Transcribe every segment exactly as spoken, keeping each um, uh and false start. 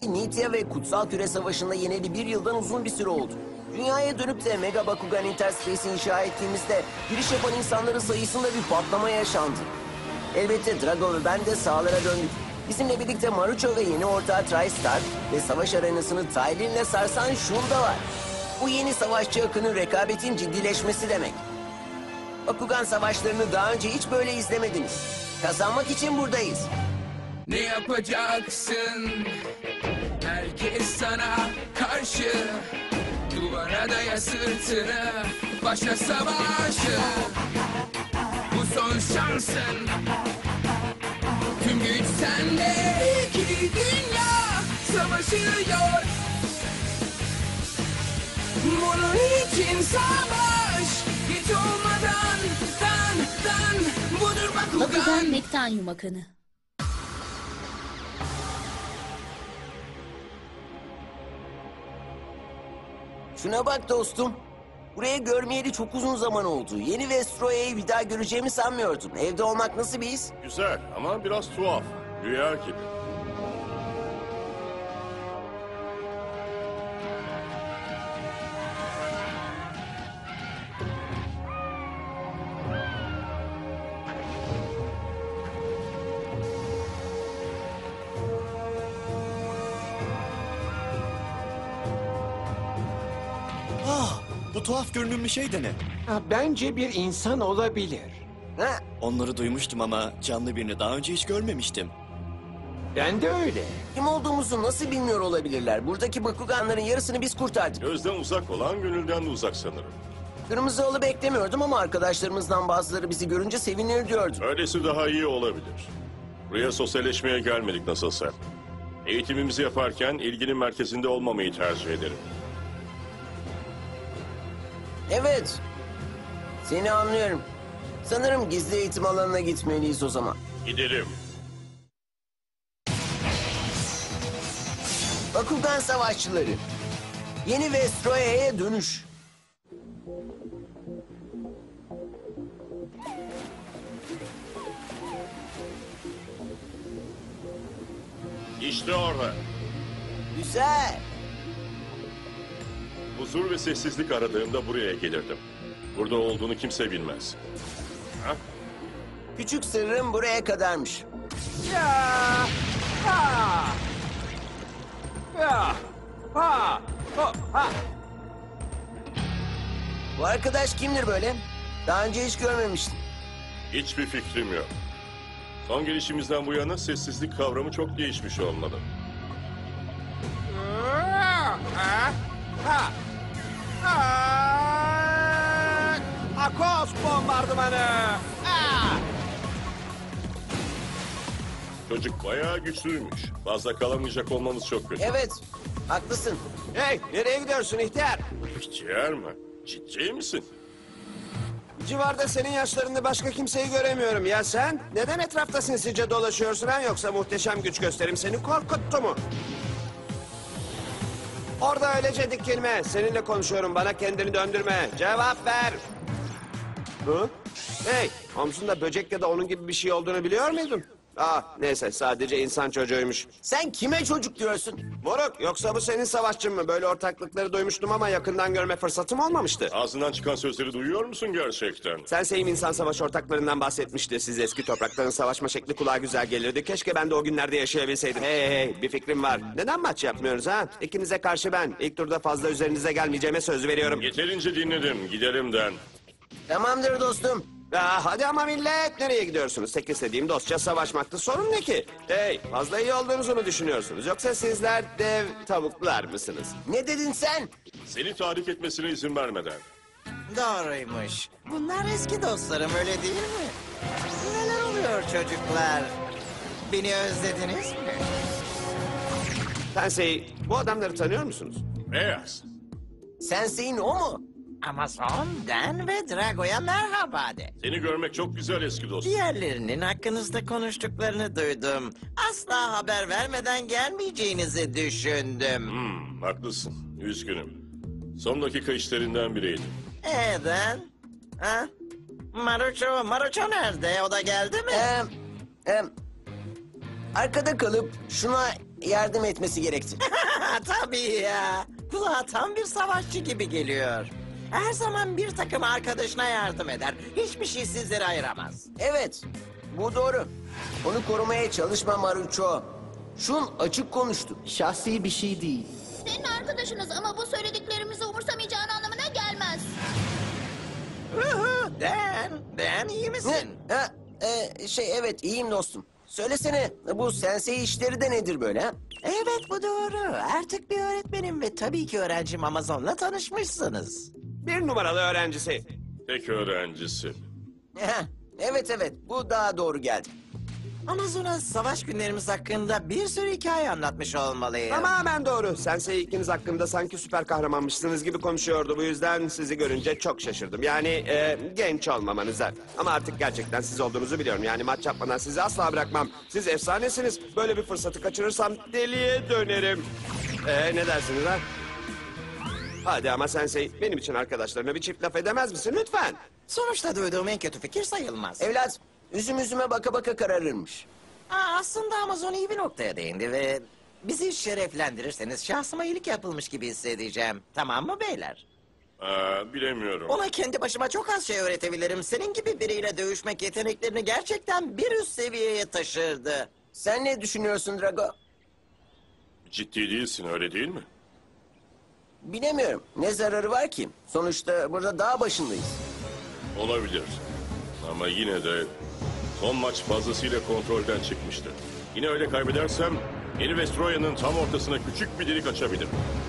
Nitya ve Kutsal Küre Savaşı'nda yeneli bir yıldan uzun bir süre oldu. Dünyaya dönüp de Mega Bakugan Interspace'i inşa ettiğimizde giriş yapan insanların sayısında bir patlama yaşandı. Elbette Drago ve ben de sahalara döndük. Bizimle birlikte Marucho ve yeni ortağı TriStar ve savaş arenasını Tylin'le sarsan Shun var. Bu yeni savaşçı akının rekabetin ciddileşmesi demek. Bakugan savaşlarını daha önce hiç böyle izlemediniz. Kazanmak için buradayız. Ne yapacaksın? Herkes sana karşı. Duvara daya sırtını, başla savaşı. Bu son şansın. Tüm güç sende. İki dünya savaşıyor. Bunun için savaş. Hiç olmadan dan dan. Budur Bakugan. Bakugan Mektanyum Akını. Şuna bak dostum. Buraya görmeyeli çok uzun zaman oldu. Yeni Vestroya'yı bir daha göreceğimi sanmıyordum. Evde olmak nasıl bir his? Güzel ama biraz tuhaf. Rüya gibi. Ah, bu tuhaf görünümlü şey de ne? Ha, bence bir insan olabilir. Ha? Onları duymuştum ama canlı birini daha önce hiç görmemiştim. Ben de öyle. Kim olduğumuzu nasıl bilmiyor olabilirler? Buradaki Bakuganların yarısını biz kurtardık. Gözden uzak olan gönülden de uzak sanırım. Kırmızı halı beklemiyordum ama arkadaşlarımızdan bazıları bizi görünce sevinir diyordum. Öylesi daha iyi olabilir. Buraya sosyalleşmeye gelmedik nasılsa. Eğitimimizi yaparken ilginin merkezinde olmamayı tercih ederim. Evet. Seni anlıyorum. Sanırım gizli eğitim alanına gitmeliyiz o zaman. Gidelim. Bakugan Savaşçıları. Yeni Vestroya'ya dönüş. İşte orada. Güzel. Huzur ve sessizlik aradığımda buraya gelirdim. Burada olduğunu kimse bilmez. Ha? Küçük sırrım buraya kadarmış. Ya! Ha! Ya! Ha! Ho! Ha! Bu arkadaş kimdir böyle? Daha önce hiç görmemiştim. Hiçbir fikrim yok. Son gelişimizden bu yana sessizlik kavramı çok değişmiş olmalı. Ha! Ha! Ha! Ha! Akos bombardımanı! Ha! Çocuk bayağı güçlüymüş. Fazla kalamayacak olmamız çok kötü. Evet, haklısın. Hey, nereye gidiyorsun ihtiyar? Ciğer mi? Ciddi misin? Civarda senin yaşlarında başka kimseyi göremiyorum. Ya sen? Neden etrafta sinsice dolaşıyorsun ha? Yoksa muhteşem güç gösterim seni korkuttu mu? Orada öylece dikilme. Seninle konuşuyorum. Bana kendini döndürme. Cevap ver. Hı? Hey, omzunda böcek ya da onun gibi bir şey olduğunu biliyor muydun? Ah, neyse sadece insan çocuğuymuş. Sen kime çocuk diyorsun? Moruk, yoksa bu senin savaşçın mı? Böyle ortaklıkları duymuştum ama yakından görme fırsatım olmamıştı. Ağzından çıkan sözleri duyuyor musun gerçekten? Sensei'm insan savaş ortaklarından bahsetmişti. Siz eski toprakların savaşma şekli kulağa güzel gelirdi. Keşke ben de o günlerde yaşayabilseydim. Hey hey hey, bir fikrim var. Neden maç yapmıyoruz ha? İkinize karşı ben. İlk turda fazla üzerinize gelmeyeceğime söz veriyorum. Yeterince dinledim. Gidelim Den. Tamamdır dostum. Ah, hadi ama millet, nereye gidiyorsunuz? Tek istediğim dostça savaşmaktı. Sorun ne ki? Hey, fazla iyi olduğunuzu mu düşünüyorsunuz? Yoksa sizler dev tavuklar mısınız? Ne dedin sen? Seni tahrik etmesine izin vermeden. Doğruymuş. Bunlar eski dostlarım, öyle değil mi? Neler oluyor çocuklar? Beni özlediniz mi? Sensei, bu adamları tanıyor musunuz? Beyaz. Sensei'in o mu? Amazon, Dan ve Drago'ya merhaba de. Seni görmek çok güzel eski dostum. Diğerlerinin hakkınızda konuştuklarını duydum. Asla haber vermeden gelmeyeceğinizi düşündüm. Hmm, haklısın. Üzgünüm. Son dakika işlerinden biriydi. Ee Dan? Ha? Marucho, Marucho nerede? O da geldi mi? Ee, e, arkada kalıp şuna yardım etmesi gerekti. Tabii ya. Kulağa tam bir savaşçı gibi geliyor. Her zaman bir takım arkadaşına yardım eder. Hiçbir şey sizleri ayıramaz. Evet, bu doğru. Onu korumaya çalışma Maruço. Şun açık konuştu. Şahsi bir şey değil. Senin arkadaşınız ama bu söylediklerimizi umursamayacağın anlamına gelmez. Uhu, Dan, Dan iyi Ne? misin? Ha, e, şey evet iyiyim dostum. Söylesene bu sensei işleri de nedir böyle ha? Evet bu doğru. Artık bir öğretmenim ve tabii ki öğrencim Amazon'la tanışmışsınız. Bir numaralı öğrencisi. Tek öğrencisi. Heh, evet evet bu daha doğru geldi. Amazon'a savaş günlerimiz hakkında bir sürü hikaye anlatmış olmalıyım. Tamamen doğru. Sensei ikiniz hakkında sanki süper kahramanmışsınız gibi konuşuyordu. Bu yüzden sizi görünce çok şaşırdım. Yani e, genç olmamanıza. Ama artık gerçekten siz olduğunuzu biliyorum. Yani maç yapmadan sizi asla bırakmam. Siz efsanesiniz. Böyle bir fırsatı kaçırırsam deliye dönerim. E, ne dersiniz ha? Hadi ama Sensei benim için arkadaşlarına bir çift laf edemez misin lütfen? Sonuçta duyduğum en kötü fikir sayılmaz. Evlat üzüm üzüme baka baka kararırmış. Aa, aslında Amazon iyi bir noktaya değindi ve bizi şereflendirirseniz şahsıma iyilik yapılmış gibi hissedeceğim. Tamam mı beyler? Aa, bilemiyorum. Ona kendi başıma çok az şey öğretebilirim. Senin gibi biriyle dövüşmek yeteneklerini gerçekten bir üst seviyeye taşırdı. Sen ne düşünüyorsun Drago? Ciddi değilsin öyle değil mi? Bilemiyorum. Ne zararı var ki? Sonuçta burada dağ başındayız. Olabilir. Ama yine de son maç fazlasıyla kontrolden çıkmıştı. Yine öyle kaybedersem yeni Vestroya'nın tam ortasına küçük bir delik açabilirim.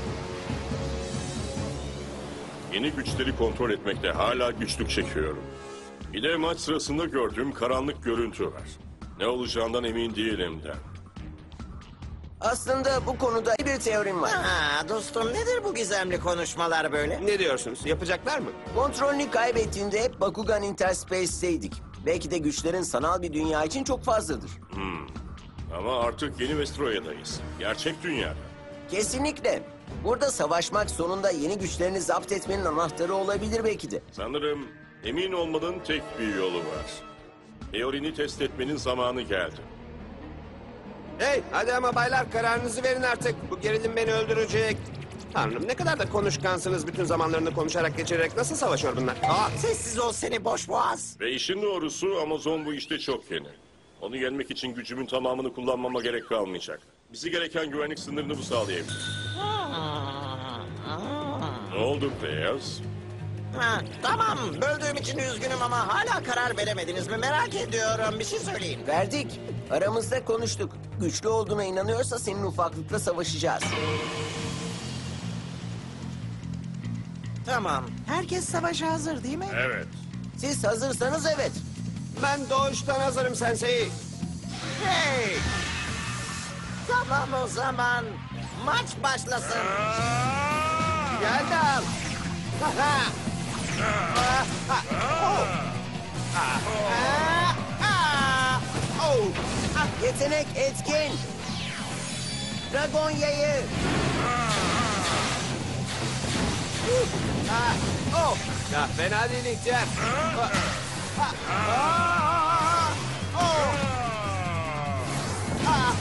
Yeni güçleri kontrol etmekte hala güçlük çekiyorum. Bir de maç sırasında gördüğüm karanlık görüntü var. Ne olacağından emin değilim de. Aslında bu konuda bir teorim var. Aa, dostum nedir bu gizemli konuşmalar böyle? Ne diyorsunuz? Yapacaklar mı? Kontrolünü kaybettiğinde hep Bakugan Interspace'teydik. Belki de güçlerin sanal bir dünya için çok fazladır. Ama artık yeni Vestroya'dayız. Gerçek dünyada. Kesinlikle. Burada savaşmak sonunda yeni güçlerini zapt etmenin anahtarı olabilir belki de. Sanırım emin olmanın tek bir yolu var. Teorini test etmenin zamanı geldi. Hey hadi ama baylar kararınızı verin artık. Bu gerilim beni öldürecek. Tanrım ne kadar da konuşkansınız. Bütün zamanlarını konuşarak geçirerek nasıl savaşıyor bunlar? Aa, sessiz ol seni boş boğaz. Ve işin doğrusu Amazon bu işte çok yeni. Onu yenmek için gücümün tamamını kullanmama gerek kalmayacak. Bizi gereken güvenlik sınırını bu sağlayabilir. Ne oldu Beyaz? Ha, tamam böldüğüm için üzgünüm ama hala karar veremediniz mi merak ediyorum bir şey söyleyin. Verdik. Aramızda konuştuk. Güçlü olduğuna inanıyorsa senin ufaklıkla savaşacağız. Tamam herkes savaşa hazır değil mi? Evet. Siz hazırsanız evet. Ben doğuştan hazırım Sensei. Hey! Tamam o zaman maç başlasın. Geldim. Yetenek etkin. Dragon yayı. Oh. Ya fena değil ihtiyar. Ah, ah, oh. Ah.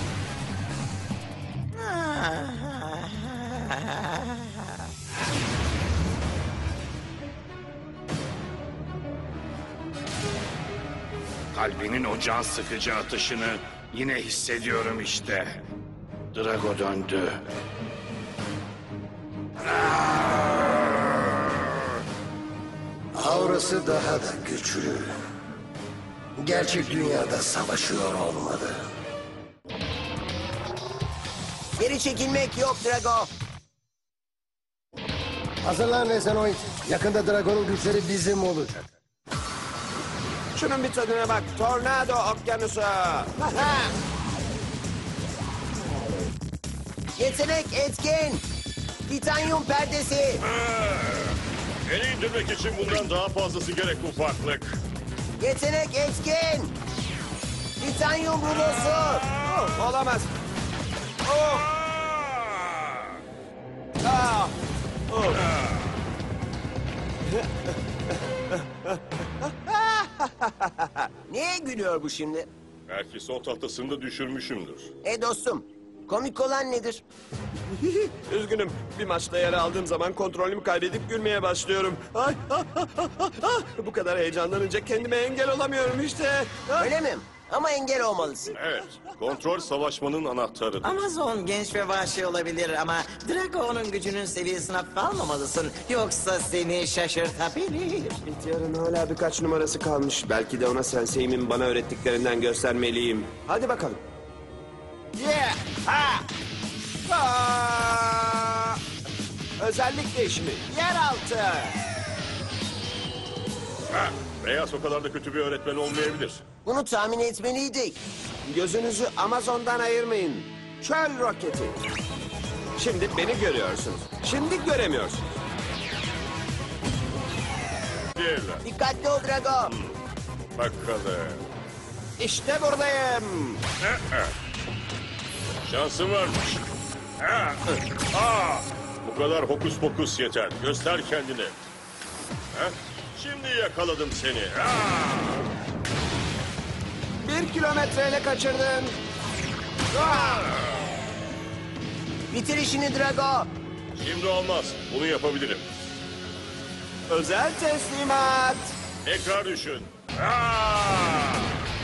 Kalbinin o can sıkıcı atışını yine hissediyorum işte. Drago döndü. Aurası daha da güçlü. Gerçek dünyada savaşıyor olmalı. Geri çekilmek yok Drago. Hazırlan Rezanoid. Yakında Dragon'un güçleri bizim olacak. Şunun bir tadına bak. Tornado okyanusu. Yetenek etkin. Titanyum perdesi. Beni indirmek için bundan daha fazlası gerek ufaklık. Yetenek etkin. Titanyum rulosu. Oh, olamaz. Oh. Ah. Oh. Niye gülüyor bu şimdi? Belki son tahtasını da düşürmüşümdür. E dostum, Komik olan nedir? Üzgünüm. Bir maçta yer aldığım zaman kontrolümü kaybedip gülmeye başlıyorum. Ay, ah, ah, ah, ah, ah. Bu kadar heyecanlanınca kendime engel olamıyorum işte. Ah. Öyle mi? Ama engel olmalısın. Evet, kontrol savaşmanın anahtarıdır. Amazon genç ve vahşi olabilir ama Drago'nun gücünün seviyesine almamalısın. Yoksa seni şaşırtabilir. İhtiyarın hala birkaç numarası kalmış. Belki de ona senseimin bana öğrettiklerinden göstermeliyim. Hadi bakalım. Yeah! Ha! Aa! Özellik değişimi. Yeraltı. Ha, Beyaz o kadar da kötü bir öğretmen olmayabilir. Bunu tahmin etmeliydik. Gözünüzü Amazon'dan ayırmayın. Çöl roketi. Şimdi beni görüyorsunuz. Şimdi göremiyorsunuz. Diğerler. Dikkatli ol Drago. Bakalım. İşte buradayım. Şansın varmış. Ha, aa, bu kadar hokus pokus yeter. Göster kendini. Ha, şimdi yakaladım seni. Ha. Bir kilometreyle kaçırdın. Bitir işini Drago. Şimdi olmaz. Bunu yapabilirim. Özel teslimat. Tekrar düşün. Ha.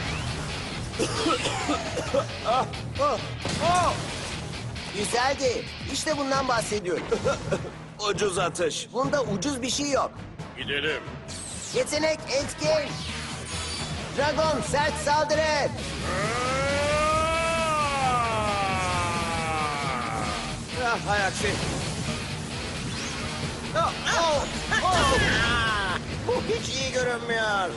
Güzeldi. İşte bundan bahsediyorum. Ucuz atış. Bunda ucuz bir şey yok. Gidelim. Yetenek etkin. Dragon sert saldırı. Ah, hay aksi. Oh, oh, oh. Bu hiç iyi görünmüyor.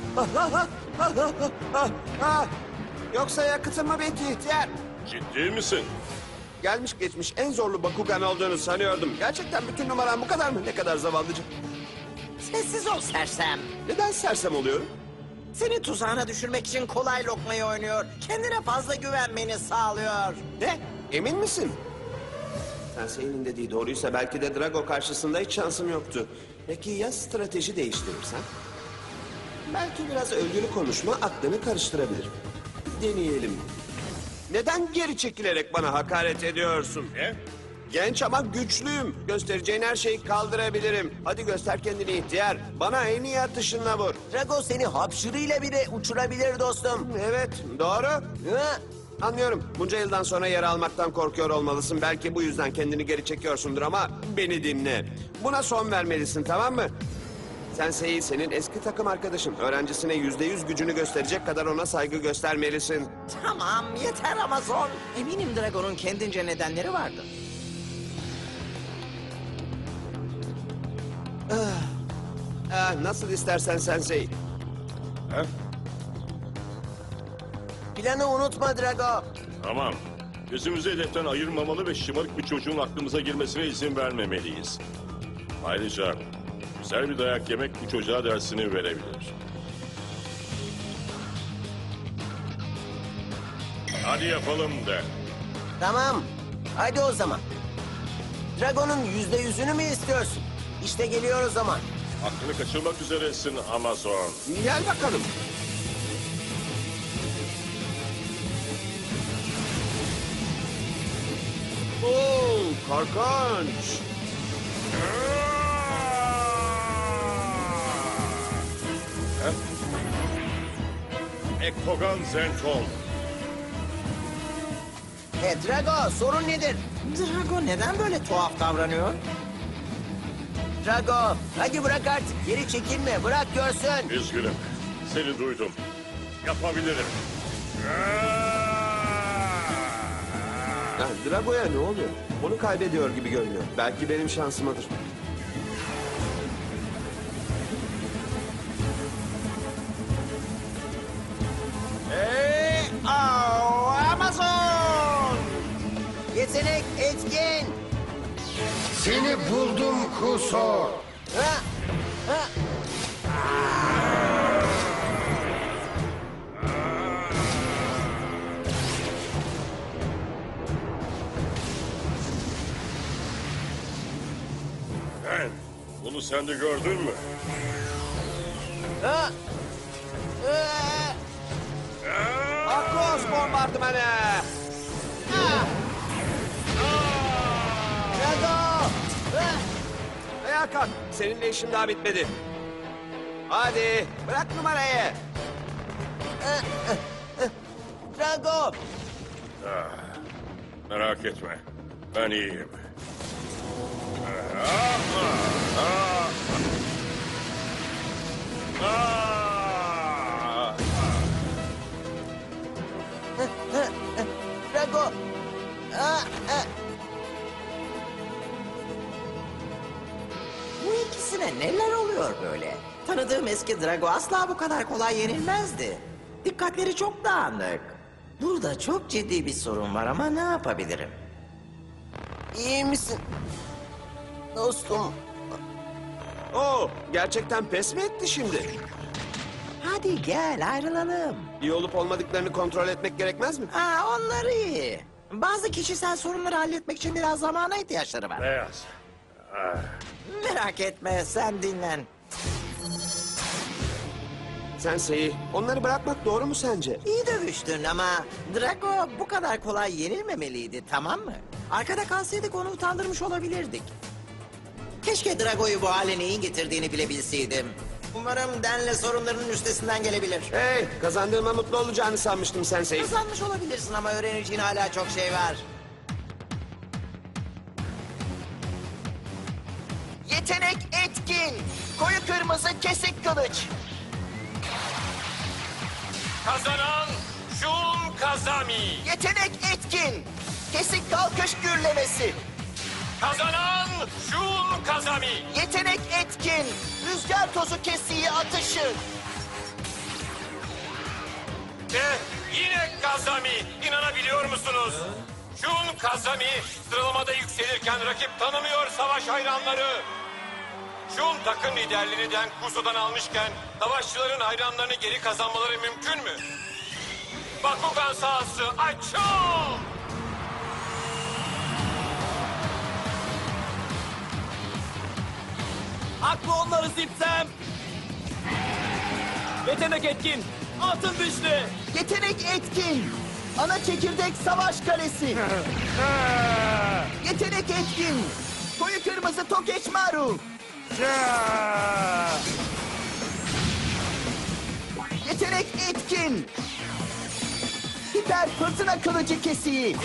Ah, yoksa yakıtın mı bitti ihtiyar? Ciddi misin? Gelmiş geçmiş en zorlu Bakugan olduğunu sanıyordum. Gerçekten bütün numaran bu kadar mı? Ne kadar zavallıcı. Sessiz ol sersem. Neden sersem oluyorum? Seni tuzağına düşürmek için kolay lokmayı oynuyor. Kendine fazla güvenmeni sağlıyor. Ne? Emin misin? Sensei'nin dediği doğruysa belki de Drago karşısında hiç şansım yoktu. Peki ya strateji değiştirirsem? Belki biraz övgülü konuşma aklını karıştırabilir. Deneyelim. Neden geri çekilerek bana hakaret ediyorsun? Ne? Genç ama güçlüyüm. Göstereceğin her şeyi kaldırabilirim. Hadi göster kendini ihtiyar. Bana en iyi atışınla vur. Drago seni hapşırıyla bile uçurabilir dostum. Evet, doğru. Hı? Anlıyorum. Bunca yıldan sonra yer almaktan korkuyor olmalısın. Belki bu yüzden kendini geri çekiyorsundur ama beni dinle. Buna son vermelisin, tamam mı? Sensei senin eski takım arkadaşın. Öğrencisine yüzde yüz gücünü gösterecek kadar ona saygı göstermelisin. Tamam yeter Amazon. Eminim Dragon'un kendince nedenleri vardı. Ah, nasıl istersen Sensei. Ha? Planı unutma Drago. Tamam. Gözümüzü hedeften ayırmamalı ve şımarık bir çocuğun aklımıza girmesine izin vermemeliyiz. Ayrıca güzel bir dayak yemek bu çocuğa dersini verebilir. Hadi yapalım de. Tamam. Hadi o zaman. Dragon'un yüzde yüzünü mü istiyorsun? İşte geliyor o zaman. Aklını kaçırmak üzeresin Amazon. Gel bakalım. Oo, korkunç. Ha? Ekogan Zenton. E Drago sorun nedir? Drago neden böyle tuhaf davranıyor? Drago hadi bırak artık. Geri çekilme. Bırak görsün. Üzgünüm. Seni duydum. Yapabilirim. Ha, Drago'ya ne oluyor? Onu kaybediyor gibi görünüyor. Belki benim şansımadır. Hey, au, Amazon! Yetenek etkin. Seni buldum Kusor. Ha? Ha? Ben, bunu sen de gördün mü? Ha? Ha? Akos bombardımanı! Ah! Ayağa kalk. Seninle işim daha bitmedi. Hadi bırak numarayı. Drago! Merak etme. Ben iyiyim. Drago! Aa, e, Bu ikisine neler oluyor böyle? Tanıdığım eski Drago asla bu kadar kolay yenilmezdi. Dikkatleri çok dağınık. Burada çok ciddi bir sorun var ama ne yapabilirim? iyi misin? Dostum. Oo, gerçekten pes mi etti şimdi? Hadi gel ayrılalım. İyi olup olmadıklarını kontrol etmek gerekmez mi? Ha, onları iyi. Bazı kişisel sorunları halletmek için biraz zamana ihtiyaçları var. Beyaz. Merak etme sen dinlen. Sensei, onları bırakmak doğru mu sence? İyi dövüştün ama Drago bu kadar kolay yenilmemeliydi, tamam mı? Arkada kalsaydık onu utandırmış olabilirdik. Keşke Drago'yu bu hale neyin getirdiğini bilebilseydim. Umarım Den'le sorunlarının üstesinden gelebilir. Hey, kazandığıma mutlu olacağını sanmıştım Sensei. Kazanmış olabilirsin ama öğreneceğin hala çok şey var. Yetenek etkin. Koyu kırmızı kesik kılıç. Kazanan Shun Kazami. Yetenek etkin. Kesik kalkış gürlemesi. Kazanan Shun Kazami. Yetenek etkin. Rüzgar tozu kesiği atışı. Ve yine Kazami. İnanabiliyor musunuz? Shun Kazami sıralamada yükselirken rakip tanımıyor savaş hayranları. Shun takım liderliğini Den Kuso'dan almışken savaşçıların hayranlarını geri kazanmaları mümkün mü? Bakugan sahası açıl! Haklı onları Zipsem. Yetenek etkin. Altın dişli. Yetenek etkin. Ana çekirdek savaş kalesi. Yetenek etkin. Koyu kırmızı Tokeçmaru. Yetenek etkin. Hiper fırtına kılıcı kesiği.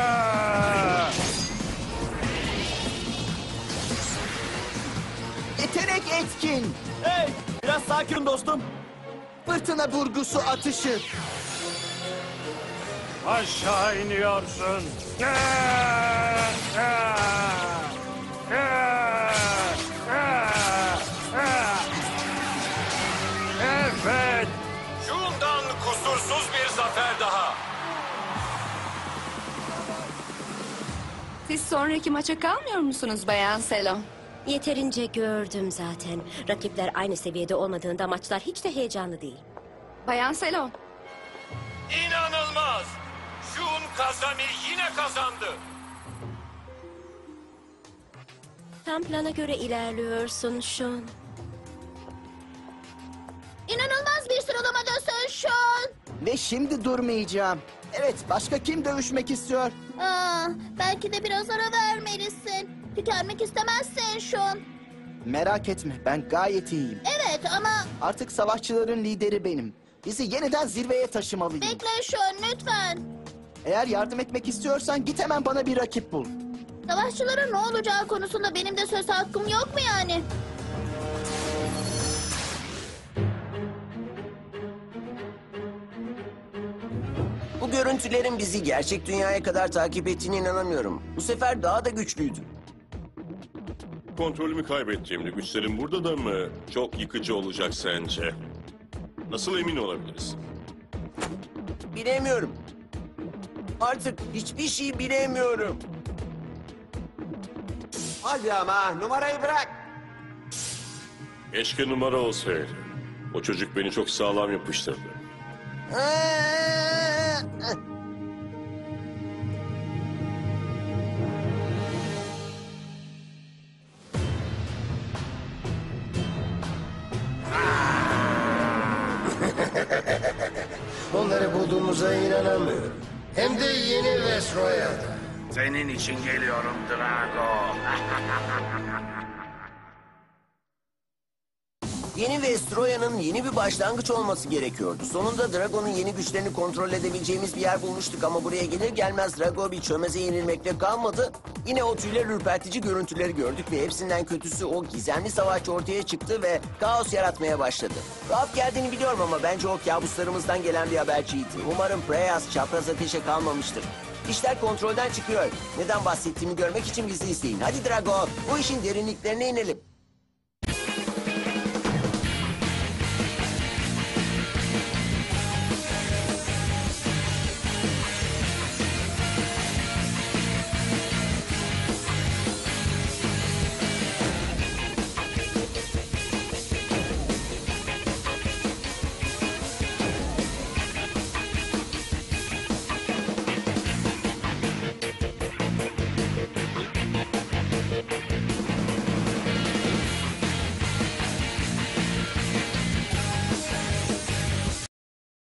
Yetenek etkin. Hey, biraz sakin dostum. Fırtına vurgusu atışı. Aşağı iniyorsun. Evet. Shun'dan kusursuz bir zafer daha. Siz sonraki maça kalmıyor musunuz Bayan Selo? Yeterince gördüm zaten. Rakipler aynı seviyede olmadığında maçlar hiç de heyecanlı değil. Bayan Selo, İnanılmaz. Shun Kazami yine kazandı. Tam plana göre ilerliyorsun Sean. İnanılmaz bir sıralamadasın Sean. Ve şimdi durmayacağım. Evet, başka kim dövüşmek istiyor? Aa, belki de biraz ara vermelisin. Tükenmek istemezsin Sean. Merak etme, ben gayet iyiyim. Evet ama Artık savaşçıların lideri benim. Bizi yeniden zirveye taşımalıyım. bekle Sean lütfen. Eğer yardım etmek istiyorsan git hemen bana bir rakip bul. Savaşçıların ne olacağı konusunda benim de söz hakkım yok mu yani? Bu görüntülerin bizi gerçek dünyaya kadar takip ettiğine inanamıyorum. Bu sefer daha da güçlüydü. Kontrolümü kaybettiğimde güçlerim burada da mı çok yıkıcı olacak sence? Nasıl emin olabiliriz? Bilemiyorum. Artık hiçbir şey bilemiyorum. Hadi ama numarayı bırak. Keşke numara olsaydı. O çocuk beni çok sağlam yapıştırdı. Onları bulduğumuza inanamıyorum. Hem de yeni Vestroya'da. Senin için geliyorum Drago. Yeni Vestroya'nın yeni bir başlangıç olması gerekiyordu. Sonunda Drago'nun yeni güçlerini kontrol edebileceğimiz bir yer bulmuştuk ama buraya gelir gelmez Drago bir çömeze yenilmekle kalmadı. Yine o tüyler ürpertici görüntüleri gördük ve hepsinden kötüsü o gizemli savaşçı ortaya çıktı ve kaos yaratmaya başladı. Tuhaf geldiğini biliyorum ama bence o kabuslarımızdan gelen bir haberciydi. Umarım Preyas çapraz ateşe kalmamıştır. İşler kontrolden çıkıyor. Neden bahsettiğimi görmek için bizi izleyin. Hadi Drago, bu işin derinliklerine inelim.